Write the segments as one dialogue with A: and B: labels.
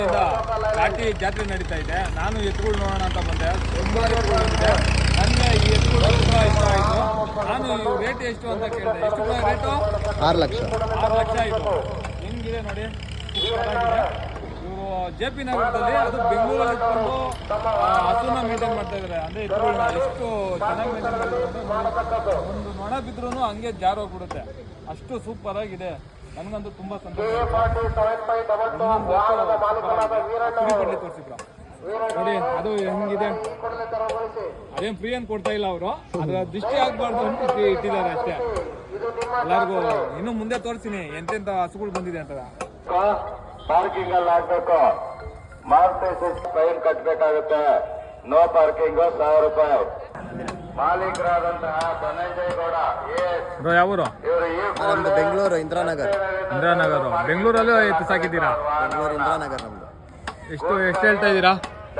A: ಘಾಟಿ ಜಾತ್ರೆ ನಡೀತಾ ಇದೆ. ನಾನು ಎತ್ತುಗಳು ನೋಡೋಣ ಅಂತ ಬಂದೆ. ತುಂಬಾ ಎತ್ತುಗಳಿದೆ. ನನಗೆ ಈ ಎತ್ತುಗಳು ತುಂಬ ಇಷ್ಟ ಆಯಿತು. ನಾನು ಇವು ರೇಟ್ ಎಷ್ಟು ಅಂತ ಕೇಳಿದೆ. ಎಷ್ಟು ರೇಟು?
B: 6 ಲಕ್ಷ.
A: 6 ಲಕ್ಷ ಆಯಿತು. ಹೆಂಗಿದೆ ನೋಡಿ, ಇವರು JP ನಗರದಲ್ಲಿ, ಅದು ಬೆಂಗಳೂರಲ್ಲಿ ಇಟ್ಕೊಂಡು ಹಸುನ ಮೇಂಟೈನ್ ಮಾಡ್ತಾ ಇದ್ದಾರೆ. ಅಂದರೆ ಎತ್ತುಗಳನ್ನ ಎಷ್ಟು ಚೆನ್ನಾಗಿ ಮೇಂಟೈನ್ ಮಾಡಿದ್ದಾರೆ. ಒಂದು ನೊಣ ಬಿದ್ರೂ ಹಂಗೆ ಜಾರೋಗ್ಬಿಡುತ್ತೆ. ಅಷ್ಟು ಸೂಪರ್ ಆಗಿದೆ. ನನಗಂತೂ ತುಂಬ ಸಂತೋಷ. ತೋರಿಸಿದ್ರು ನೋಡಿ, ಅದು ಹೆಂಗಿದೆ. ಅದೇನು ಫ್ರೀ ಅಂತ ಕೊಡ್ತಾ ಇಲ್ಲ ಅವರು. ಅದರ ದೃಷ್ಟಿ ಆಗ್ಬಾರ್ದು ಅಂತ ಇಟ್ಟಿದ್ದಾರೆ ಅಷ್ಟೇ. ಎಲ್ಲರಿಗೂ ಇನ್ನು ಮುಂದೆ ತೋರಿಸ್ತೀನಿ ಎಂತೆಂಥ ಹಸುಗಳು ಬಂದಿದೆ ಅಂತ.
C: ಪಾರ್ಕಿಂಗ್ ಅಲ್ಲಿ ಹಾಕ್ಬೇಕು. ಫೈನ್ ಕಟ್ಟಬೇಕಾಗುತ್ತೆ. ನೋ ಪಾರ್ಕಿಂಗ್ 1000 ರೂಪಾಯಿ. ಮಾಲೀಕರಾದಂತಹ ಧನಂಜಯ ಗೌಡ
A: ಯಾವೂರು?
B: ನಮ್ದು ಬೆಂಗಳೂರು ಇಂದಿರಾನಗರ್.
A: ಬೆಂಗಳೂರಲ್ಲೂ ಎತ್ತು ಸಾಕಿದ್ದೀರಾ?
B: ಬೆಂಗಳೂರು ಇಂದಿರಾನಗರ್ ನಮ್ದು.
A: ಎಷ್ಟು ಹೇಳ್ತಾ ಇದ್ದೀರಾ?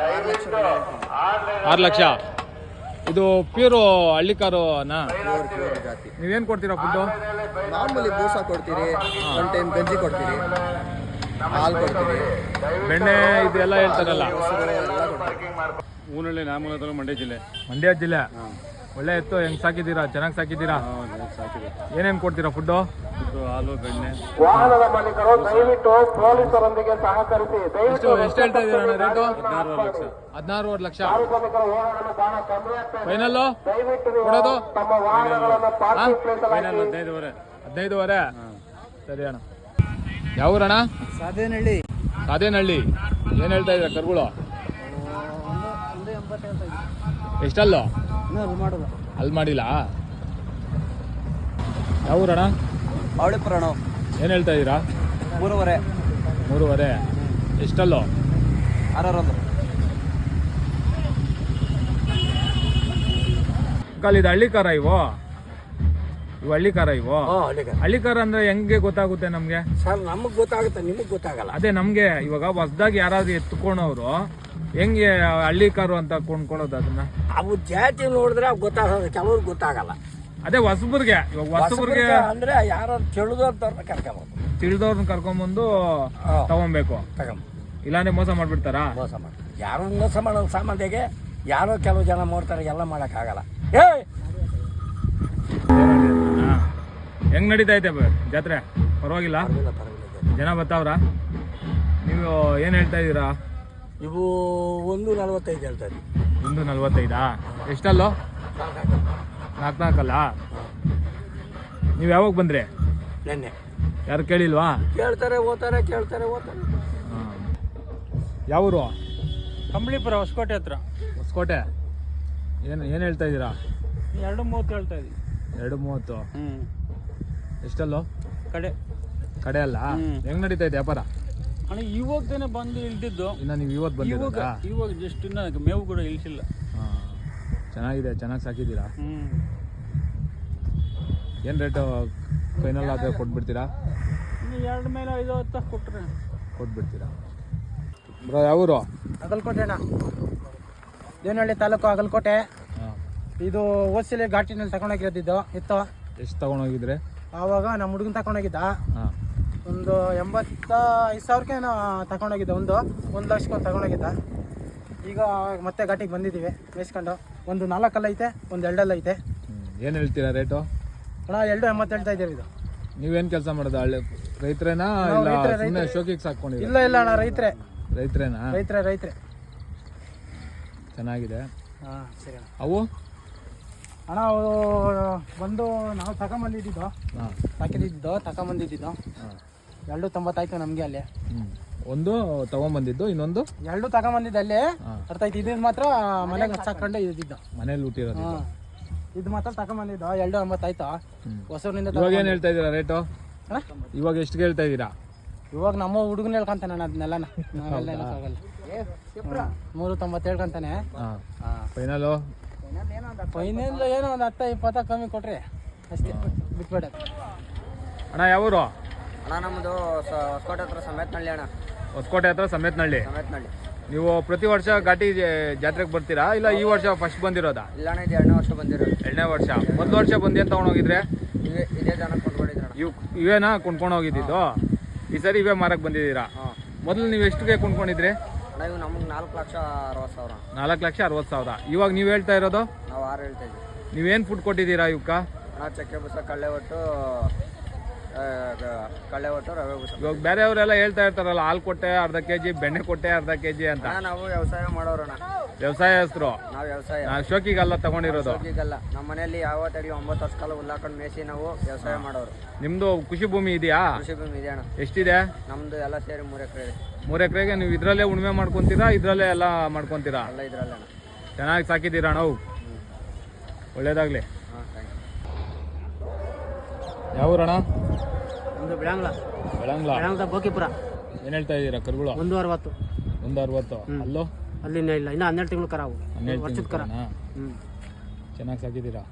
A: 6 ಲಕ್ಷ. ಇದು ಪ್ಯೂರು ಹಳ್ಳಿಕಾರುನಾ?
B: ಪ್ಯೂರ್ ಜಾತಿ.
A: ನೀವೇನು ಕೊಡ್ತೀರಾ ಫುಡ್ಡು?
B: ಮಾಮೂಲಿ ಬೂಸ ಕೊಡ್ತೀರಿ, ಒಂದು ಟೈಮ್ ಗಂಜಿ ಕೊಡ್ತೀರಿ, ಹಾಲು ಕೊಡ್ತೀರಿ,
A: ಬೆಣ್ಣೆ ಇದೆಲ್ಲ ಹೇಳ್ತಾರಲ್ಲ.
D: ಊನಳ್ಳಿ ನಾಮೂಲ ಮಂಡ್ಯ
A: ಜಿಲ್ಲೆ. ಒಳ್ಳೆ ಎತ್ತು. ಹೆಂಗ್ ಸಾಕಿದ್ದೀರಾ? ಚೆನ್ನಾಗಿ ಸಾಕಿದ್ದೀರಾ? ಏನೇನು ಕೊಡ್ತೀರಾ ಫುಡ್ಡು?
D: ಹಾಲು, ಬೆಣ್ಣೆ.
C: ವಾಹನದ ಮಾಲೀಕರು ದಯವಿಟ್ಟು ಪೊಲೀಸರೊಂದಿಗೆ ಸಹಕರಿಸಿ.
A: ಎಷ್ಟು ಹೇಳ್ತಾ ಇದ್ದೀರಾ ರೇಟು?
D: 16
A: ಲಕ್ಷ. ಫೈನಲ್ಲು ಕೊಡೋದು?
C: ತಮ್ಮ ವಾಹನಗಳನ್ನು ಪಾರ್ಕಿಂಗ್ ಪ್ಲೇಸ್
A: 15,500. ಸರಿ ಅಣ್ಣ. ಯಾವ ಊರಣ್ಣ? ಸಾದೇನಹಳ್ಳಿ. ಏನು ಹೇಳ್ತಾ ಇದ್ದೀರಾ ಕರುಗಳು? ಎಷ್ಟಲ್ಲೋ? ಅಲ್ಲಿ ಮಾಡಿಲ್ಲ. ಯಾವ ಊರಣ್ಣ?
B: ಅವಳಿಪುರಣ.
A: ಏನು ಹೇಳ್ತಾ ಇದ್ದೀರಾ?
B: 3.5.
A: ಎಷ್ಟಲ್ಲೋ?
B: 6
A: ಇದು ಹಳ್ಳಿಕಾರ ಇವು ಹಳ್ಳಿಕಾರ ಹಳ್ಳಿಕಾರ ಅಂದ್ರೆ ಹೆಂಗೆ ಗೊತ್ತಾಗುತ್ತೆ ನಮ್ಗೆ?
E: ಸರ್ ನಮಗ್ ಗೊತ್ತಾಗುತ್ತೆ, ನಿಮಗ್ ಗೊತ್ತಾಗಲ್ಲ.
A: ಅದೇ ನಮ್ಗೆ ಇವಾಗ ಹೊಸದಾಗಿ ಯಾರಾದ್ರೂ ಎತ್ಕೊಂಡವ್ರು ಹೆಂಗೆ ಹಳ್ಳಿಕಾರು ಅಂತ ಕೊಂಡ್ಕೊಳ್ಳೋದು ಅದನ್ನ?
E: ಅವು ಜಾತಿ ನೋಡಿದ್ರೆ ಗೊತ್ತಾಗೋದು, ಕೆಲವ್ರಿಗೆ ಗೊತ್ತಾಗಲ್ಲ.
A: ಅದೇ ಹೊಸಬ್ರಿಗೆ
E: ಅಂದ್ರೆ ಯಾರು ತಿಳಿದವ್ರನ್ನ ಕರ್ಕೊಂಬೋದು.
A: ತಿಳಿದವ್ರನ್ನ ಕರ್ಕೊಂಬಂದು ತಗೊಬೇಕು. ಇಲ್ಲಾಂದ್ರೆ ಮೋಸ ಮಾಡ್ಬಿಡ್ತಾರಾ?
E: ಮೋಸ ಮಾಡಿ ಯಾರು ಮೋಸ ಮಾಡೋ ಸಾಮಾನ್ಯಗೆ ಯಾರೋ ಕೆಲವು ಜನ ಮಾಡ್ತಾರೆ, ಎಲ್ಲ ಮಾಡಕ್ಕಾಗಲ್ಲ.
A: ಹೆಂಗ್ ನಡೀತಾ ಐತೆ ಜಾತ್ರೆ? ಪರವಾಗಿಲ್ಲ? ಜನ ಬರ್ತಾವ್ರ? ನೀವು ಏನ್ ಹೇಳ್ತಾ ಇದ್ದೀರಾ?
E: ಇವು 1.45 ಹೇಳ್ತಾ ಇದ್ದೀವಿ.
A: 1.45? ಎಷ್ಟಲ್ಲೋ? 4 ನೀವು ಯಾವಾಗ ಬಂದ್ರಿ?
E: ನೆನ್ನೆ.
A: ಯಾರು ಕೇಳಿಲ್ವಾ?
E: ಕೇಳ್ತಾರೆ ಓದ್ತಾರೆ.
A: ಯಾವೂರು?
D: ಕಂಬಳಿಪುರ, ಹೊಸಕೋಟೆ ಹತ್ರ.
A: ಹೊಸಕೋಟೆ. ಏನು ಹೇಳ್ತಾ ಇದ್ದೀರಾ?
D: 2.30 ಹೇಳ್ತಾ ಇದ್ದೀವಿ.
A: 2.30. ಎಷ್ಟಲ್ಲೋ? ಕಡೆ ಅಲ್ಲ. ಹೆಂಗ್ ನಡೀತಾ ಇದೆ ವ್ಯಾಪಾರ?
D: ಅಣ್ಣ ಇವಾಗದೇನೆ ಬಂದು ಇಳ್ದಿದ್ದು.
A: ಇನ್ನ ನೀವು ಇವತ್ತು ಬಂದಿರೋದಾ?
D: ಇವಾಗ ಜಸ್ಟ್ ಇನ್ನ ಮೇವು ಕೂಡ ಇಳಿಸಿಲ್ಲ.
A: ಚೆನ್ನಾಗಿದೆ, ಚೆನ್ನಾಗಿ ಸಾಕಿದ್ದೀರಾ. ಏನು ರೇಟು ಫೈನಲ್ ಆದರೆ ಕೊಟ್ಬಿಡ್ತೀರಾ?
D: 2 ಮೇಲೆ 5-10 ಕೊಟ್ಟರೆ
A: ಕೊಟ್ಬಿಡ್ತೀರಾ? ಬ್ರೋ ಯಾವೂರು?
F: ಅಗಲಕೋಟೆ ಅಣ್ಣ, ದೇವನಹಳ್ಳಿ ತಾಲೂಕು ಅಗಲಕೋಟೆ. ಇದು ಓಸಿಲೆ ಘಾಟಿನಲ್ಲಿ ತಗೊಂಡೋಗಿರೋದಿದ್ದು ಇತ್ತು.
A: ಎಷ್ಟು ತಗೊಂಡೋಗಿದ್ರೆ?
F: ಆವಾಗ ನಮ್ಮ ಹುಡುಗನ ತಗೊಂಡೋಗಿದ್ದ. ಒಂದು 85,000ಕ್ಕೆ ತಗೊಂಡೋಗಿದ್ದ. 1 ಲಕ್ಷಕ್ಕೆ ತಗೊಂಡೋಗಿದ್ದ. ಈಗ ಮತ್ತೆ ಘಾಟಿಗೆ ಬಂದಿದ್ದೀವಿ ಮೇಯಿಸ್ಕೊಂಡು. ಒಂದು 4 ಐತೆ, ಒಂದು 2 ಐತೆ.
A: ಏನು ಹೇಳ್ತೀರಾ ರೇಟು?
F: ಅಣ್ಣ 2.80 ಹೇಳ್ತಾ ಇದ್ದೀವಿ. ಇದು
A: ನೀವೇನು ಕೆಲಸ ಮಾಡೋದು? ರೈತರೇನಾ ಇಲ್ಲ ಶೋಕಿಗೆ ಸಾಕೊಂಡಿದ್ದೀರಾ?
F: ಇಲ್ಲ ಅಣ್ಣ,
A: ರೈತರೇನಾ?
F: ರೈತರೇ.
A: ಚೆನ್ನಾಗಿದೆ.
F: ಹಾಂ ಸರಿ ಅಣ್ಣ.
A: ಅವು
F: ಅಣ್ಣ ಅವು ಬಂದು ನಾವು ತಗೊಂಬಂದಿದ್ದು ತಗೊಂಬಂದಿದ್ದು 2.90 ಆಯ್ತು ನಮಗೆ ಅಲ್ಲಿ.
A: ಒಂದು ತಗೊಂಬಂದಿದ್ದು, ಇನ್ನೊಂದು
F: 2 ತಗೊಂಬಂದಿದ್ದು ಅಲ್ಲಿ. ಅರ್ಥ ಆಯ್ತು. ಇದು ಮಾತ್ರ ಮನೆಗೆ ಹಚ್ಚಾಕೊಂಡು ಇದ್ದಿದ್ದು,
A: ಮನೇಲಿ ಊಟಿರೋದು.
F: ಇದು ಮಾತ್ರ ತಗೊಂಬಂದಿದ್ದು 2.80 ಆಯ್ತು. ಹೊಸೂರಿನಿಂದ.
A: ಇವಾಗ ಏನು ಹೇಳ್ತಾ ಇದ್ದೀರಾ ರೇಟು? ಇವಾಗ ಎಷ್ಟು ಹೇಳ್ತಾ ಇದ್ದೀರಾ?
F: ಇವಾಗ ನಮ್ಮ ಹುಡುಗನ ಹೇಳ್ಕೊಂತಾನೆ ನಾನು ಅದನ್ನೆಲ್ಲ. 3.90 ಹೇಳ್ಕೊಂತಾನೆ.
A: ಫೈನಲು
F: ಏನೋ ಒಂದು 10-20 ಕಮ್ಮಿ ಕೊಟ್ರಿ ಅಷ್ಟೇ, ಬಿಟ್ಬೇಡ.
A: ಅಣ್ಣ ಯಾವೂರು?
B: ಅಣ್ಣ ನಮ್ಮದು ಹೊಸಕೋಟೆ ಹತ್ರ ಸಮೇತನಹಳ್ಳಿ ಅಣ್ಣ.
A: ಹೊಸಕೋಟೆ ಹತ್ರ ಸಮೇತನಹಳ್ಳಿ. ನೀವು ಪ್ರತಿ ವರ್ಷ ಘಾಟಿ ಜಾತ್ರೆಗೆ ಬರ್ತೀರಾ ಇಲ್ಲ ಈ ವರ್ಷ ಫಸ್ಟ್ ಬಂದಿರೋದಾ?
B: ಇಲ್ಲ ಅಣ್ಣ, ಇದು 2ನೇ ವರ್ಷ ಬಂದಿರೋದು.
A: 2ನೇ ವರ್ಷ. ಮೊದಲ ವರ್ಷ ಬಂದು ಏನು ತೊಗೊಂಡೋಗಿದ್ರೆ?
B: ಇದೇ ಜನ ಕೊಂಡ್ಕೊಂಡಿದ್ರು.
A: ಇವೇನಾ ಕೊಂಡ್ಕೊಂಡು ಹೋಗಿದ್ದು? ಈ ಸರಿ ಇವೇ ಮಾರಕ್ಕೆ ಬಂದಿದ್ದೀರಾ? ಮೊದಲು ನೀವು ಎಷ್ಟಿಗೆ ಕೊಂಡ್ಕೊಂಡಿದ್ರಿ?
B: ಅಣ್ಣ ಇವು ನಮಗೆ 4,60,000.
A: 4,60,000. ಇವಾಗ ನೀವು ಹೇಳ್ತಾ ಇರೋದು?
B: ನಾವು 6 ಹೇಳ್ತಾ ಇದ್ದೀವಿ.
A: ನೀವೇನು ಫುಡ್ ಕೊಟ್ಟಿದ್ದೀರಾ ಇವಕ್ಕ?
B: ಅಣ್ಣ ಚಕ್ಕೆ ಬೂಸ, ಕಳ್ಳೆ ಒಟ್ಟು, ರವೆ ಬೂಸ.
A: ಇವಾಗ ಬೇರೆಯವರೆಲ್ಲ ಹೇಳ್ತಾ ಇರ್ತಾರಲ್ಲ ಹಾಲು ಕೊಟ್ಟೆ ಅರ್ಧ ಕೆಜಿ, ಬೆಣ್ಣೆ ಕೊಟ್ಟೆ ಅರ್ಧ ಕೆಜಿ ಅಂತ.
B: ನಾವು ವ್ಯವಸಾಯ ಮಾಡೋರಣ್ಣ,
A: ವ್ಯವಸಾಯಸ್ಥರು.
B: ನಾವು ವ್ಯವಸಾಯ
A: ಶೋಕಿಗಲ್ಲ ತಗೊಂಡಿರೋದು.
B: ಈಗಲ್ಲ ನಮ್ಮ ಮನೆಯಲ್ಲಿ ಯಾವತ್ತಾಗಲಿ 9 ವರ್ಷ ಕಾಲ ಹುಲ್ಲಾಕೊಂಡು ಮೇಸಿ ನಾವು ವ್ಯವಸಾಯ ಮಾಡೋರು.
A: ನಿಮ್ದು ಕೃಷಿ ಭೂಮಿ ಇದೆಯಾ?
B: ಕೃಷಿ ಭೂಮಿ ಇದೆ ಅಣ್ಣ.
A: ಎಷ್ಟಿದೆ?
B: ನಮ್ದು ಎಲ್ಲ ಸೇರಿ 3 ಎಕರೆ ಇದೆ.
A: 3 ಎಕರೆಗೆ ನೀವು ಇದ್ರಲ್ಲೇ ಉಣ್ಮೆ ಮಾಡ್ಕೊಂತೀರಾ, ಇದ್ರಲ್ಲೇ ಎಲ್ಲ ಮಾಡ್ಕೊಂತೀರಾ?
B: ಎಲ್ಲ ಇದ್ರಲ್ಲ ಅಣ್ಣ.
A: ಚೆನ್ನಾಗಿ ಸಾಕಿದ್ದೀರಾ ನಾವು. ಒಳ್ಳೇದಾಗ್ಲಿ.
B: ಹಾಂ, ಥ್ಯಾಂಕ್
A: ಯಾವ ಊರಣ್ಣ?
F: ಒಂದು ಬೆಳಂಗ್ಲ
A: ಬೆಳಂಗ್ಲ.
F: ಬೋಕಿಪುರ.
A: ಏನು ಹೇಳ್ತಾ ಇದ್ದೀರಾ ಕರುಗಳು?
F: 160.
A: 160. ಅಲ್ಲೋ?
F: ಅಲ್ಲಿ ಇಲ್ಲ, ಇನ್ನು 12 ತಿಂಗಳು ಕರಾವು.
A: 12
F: ವರ್ಷದ ಕರ.
A: ಚೆನ್ನಾಗಿ ಸಾಕಿದ್ದೀರಾ.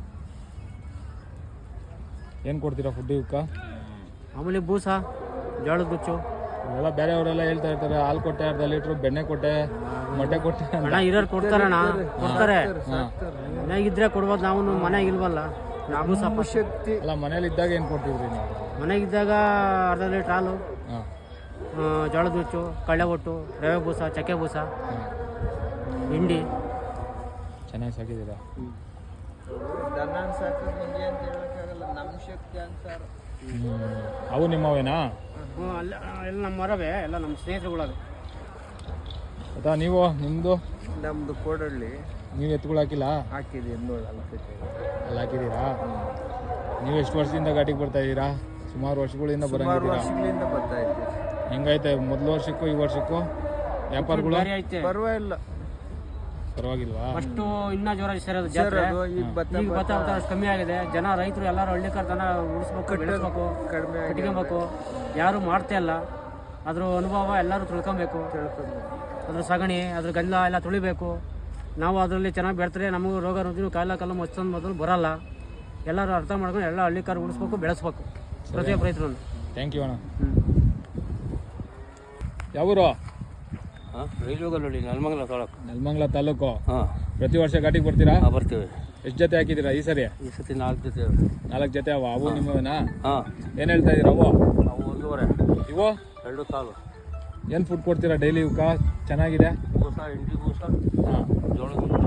A: ಏನು ಕೊಡ್ತೀರಾ ಫುಡ್ ಇವಕ್ಕ?
F: ಮಾಮೂಲಿ ಬೂಸ, ಜೋಳದ ಗುಚ್ಚು.
A: ಇವೆಲ್ಲ ಬೇರೆಯವರೆಲ್ಲ ಹೇಳ್ತಾ ಇರ್ತಾರೆ ಹಾಲು ಕೊಟ್ಟೆ ಅರ್ಧ ಲೀಟ್ರು, ಬೆಣ್ಣೆ ಕೊಟ್ಟೆ, ಮೊಟ್ಟೆ ಕೊಟ್ಟೆ ಅಂತ.
F: ಅಣ್ಣ ಇರೋರು ಕೊಡ್ತಾರಣ್ಣ, ಕೊಡ್ತಾರೆ. ಮನೆಗಿದ್ರೆ ಕೊಡ್ಬೋದು, ನಾವು ಮನೆಗೆ ಇಲ್ವಲ್ಲ. ಬೂಸ ಶಕ್ತಿ
A: ಅಲ್ಲ, ಮನೇಲಿ ಇದ್ದಾಗ ಏನು ಕೊಡ್ತಿದ್ರಿ ನೀವು?
F: ಮನೆಗಿದ್ದಾಗ ಅರ್ಧ ಲೀಟ್ರ್ ಹಾಲು,
A: ಹಾಂ,
F: ಜೋಳದ ಹುಚ್ಚು, ಕಳ್ಳೆ ಒಟ್ಟು, ರವೆ ಬೂಸ, ಚಕ್ಕೆ ಬೂಸ, ಹಿಂಡಿ.
A: ಚೆನ್ನಾಗಿ ಸಾಕಿದ್ದೀರಾ. ಅವು ನಿಮ್ಮವೇನಾ?
F: ಎಲ್ಲ ನಮ್ಮ ಮರವೇ, ಎಲ್ಲ ನಮ್ಮ ಸ್ನೇಹಿತರುಗಳವೆ.
A: ಅಥವಾ ನೀವು ನಿಮ್ಮದು?
B: ನಮ್ಮದು ಕೋಡಳ್ಳಿ.
A: ನೀವು ಎತ್ತುಗಳು ಹಾಕಿಲ್ಲ?
B: ಹಾಕಿದ್ದೀವಿ,
A: ಅಲ್ಲಿ ಹಾಕಿದ್ದೀರಾ? ನೀವು ಎಷ್ಟು ವರ್ಷದಿಂದ ಘಾಟಿಗೆ ಬರ್ತಾ ಇದ್ದೀರಾ? ಸುಮಾರು ವರ್ಷಗಳಿಂದ ಬರಂಗಿದ್ದೀರಾ?
B: ವರ್ಷಗಳಿಂದ ಬರ್ತಾ ಇದ್ದೀವಿ.
A: ಹೆಂಗೈತೆ ಮೊದಲು ವರ್ಷಕ್ಕೂ ಈ ವರ್ಷಕ್ಕೂ ವ್ಯಾಪಾರಗಳು?
B: ಪರವಾಗಿಲ್ಲ,
A: ಪರವಾಗಿಲ್ವಾ?
F: ಫಸ್ಟು ಇನ್ನೂ ಜೋರ ಸೇರೋದು ಜಾತ್ರೆ. ಈಗ ಭತ್ತ ಅಷ್ಟು ಕಮ್ಮಿ ಆಗಿದೆ. ಜನ ರೈತರು ಎಲ್ಲರೂ ಹಳ್ಳಿಕರ್ ದನ ಉಳಿಸ್ಬೇಕು, ಬೆಳೆಸ್ಬೇಕು, ಕಟ್ಕೊಬೇಕು. ಯಾರು ಮಾಡ್ತಾ ಇಲ್ಲ. ಅದ್ರ ಅನುಭವ ಎಲ್ಲರೂ ತಿಳ್ಕೊಬೇಕು. ಅದ್ರ ಸಗಣಿ, ಅದ್ರ ಗಲ್ಲ ಎಲ್ಲ ತುಳಿಬೇಕು. ನಾವು ಅದರಲ್ಲಿ ಚೆನ್ನಾಗಿ ಬೆಳೆದ್ರೆ ನಮಗೂ ರೋಗ ರುಜಿನ ಕಾಯಿಲೆ ಕಲ್ಲ ಮತ್ತೊಂದು ಮೊದಲು ಬರಲ್ಲ. ಎಲ್ಲರೂ ಅರ್ಥ ಮಾಡ್ಕೊಂಡು ಎಲ್ಲ ಹಳ್ಳಿಕಾರು ಉಳಿಸ್ಬೇಕು, ಬೆಳೆಸ್ಬೇಕು ಪ್ರತಿಯೊಬ್ಬ ರೈತರನ್ನು.
A: ಥ್ಯಾಂಕ್ ಯು ಅಣ್ಣ. ಯಾವೂರು?
E: ರೈಲ್ವೆಗಲ್ಲಿ
A: ನೆಲಮಂಗಲ ತಾಲೂಕು.
E: ಹಾಂ,
A: ಪ್ರತಿ ವರ್ಷ ಘಾಟಿಗೆ ಬರ್ತೀರಾ?
E: ಬರ್ತೀವಿ.
A: ಎಷ್ಟು ಜೊತೆ ಹಾಕಿದ್ದೀರಾ ಈ ಸರಿ?
E: ಈ ಸತಿ 4 ಜೊತೆ.
A: 4 ಜೊತೆ ಅವ? ಅವು ನಿಮ್ಮವೇನಾ?
E: ಹಾಂ.
A: ಏನು ಹೇಳ್ತಾ ಇದ್ದೀರಾ ಅವು?
E: ಅವು 1.5.
A: ಇವು
E: 2 ಕಾಲು.
A: ಏನು ಫುಡ್ ಕೊಡ್ತೀರಾ ಡೈಲಿ ಇವಕ್ಕ? ಚೆನ್ನಾಗಿದೆ?
E: ಬೂಸ, ಹಿಂಡಿ ಬೂಸ,
A: ಹಾಂ,
E: ಜೋಳದ